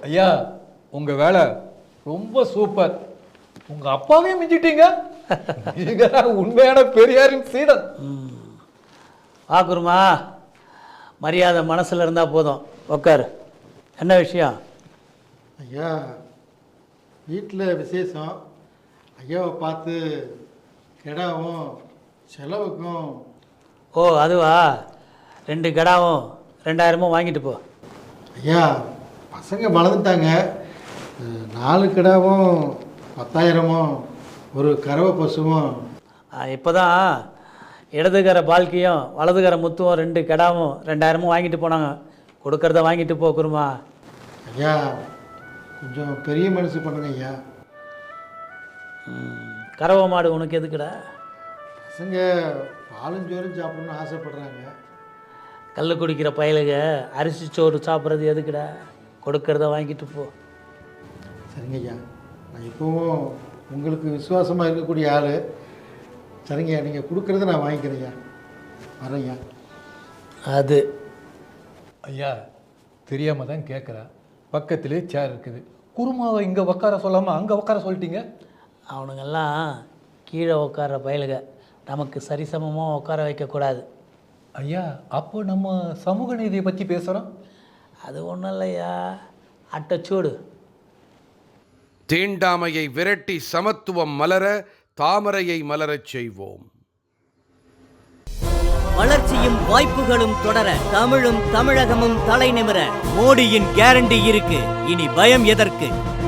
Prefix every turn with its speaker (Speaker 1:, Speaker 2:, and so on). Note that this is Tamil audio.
Speaker 1: ஐயா உங்க வேலை ரொம்ப சூப்பர். உங்க அப்பாவையும் மிஞ்சிட்டீங்க. உண்மையான பெரியாரின் சீடன்.
Speaker 2: குருமா, மரியாதை மனசில் இருந்தால் போதும். உக்காரு. என்ன விஷயம்?
Speaker 3: ஐயா வீட்டில் விசேஷம். ஐயாவை பார்த்து கிடாவும் செலவுக்கும்.
Speaker 2: ஓ அதுவா? 2 கடாவும் 2000 வாங்கிட்டு போ.
Speaker 3: ஐயா பசங்க வளர்ந்துட்டாங்க. 4 கிடாவும் 10,000, ஒரு கறவை பசுவும்.
Speaker 2: இப்போ தான் இடதுகர பால்கியும் வலதுகர முத்துவும் 2 கடாவும் 2000 வாங்கிட்டு போனாங்க. கொடுக்கறத வாங்கிட்டு போ குருமா.
Speaker 3: ஐயா கொஞ்சம் பெரிய மனசு பண்ணுங்க ஐயா.
Speaker 2: கறவை மாடு உனக்கு எதுக்குடா?
Speaker 3: பசங்க பாலும் சோறும் சாப்பிடணும்னு ஆசைப்படுறாங்க.
Speaker 2: கல் குடிக்கிற பயலுக அரிசி சோறு சாப்பிட்றது எதுக்குடா? கொடுக்கறத வாங்கிட்டு போ.
Speaker 3: சரிங்க ஐயா, நான் இப்போவும் உங்களுக்கு விசுவாசமாக இருக்கக்கூடிய ஆள். சரிங்க, நீங்கள் கொடுக்குறத நான் வாங்கிக்கிறேன் ஐயா. வரேன் ஐயா.
Speaker 2: அது
Speaker 1: ஐயா தெரியாம தான் கேட்குறேன். பக்கத்திலே சேர் இருக்குது. குருமாவை இங்கே உட்கார சொல்லாமல் அங்கே உட்கார சொல்லிட்டீங்க.
Speaker 2: அவனுங்கெல்லாம் கீழே உட்கார்ற பயலுக, நமக்கு சரிசமமாக உட்கார வைக்கக்கூடாது.
Speaker 1: ஐயா அப்போ நம்ம சமூக நீதியை பற்றி பேசுகிறோம்.
Speaker 2: அது ஒன்றும் இல்லையா, அட்டச்சூடு.
Speaker 4: தீண்டாமையை விரட்டி சமத்துவம் மலர தாமரையை மலரச் செய்வோம்.
Speaker 5: வளர்ச்சியும் வாய்ப்புகளும் தொடர தமிழும் தமிழகமும் தலை நிமிர மோடியின் கேரண்டி இருக்கு. இனி பயம் எதற்கு?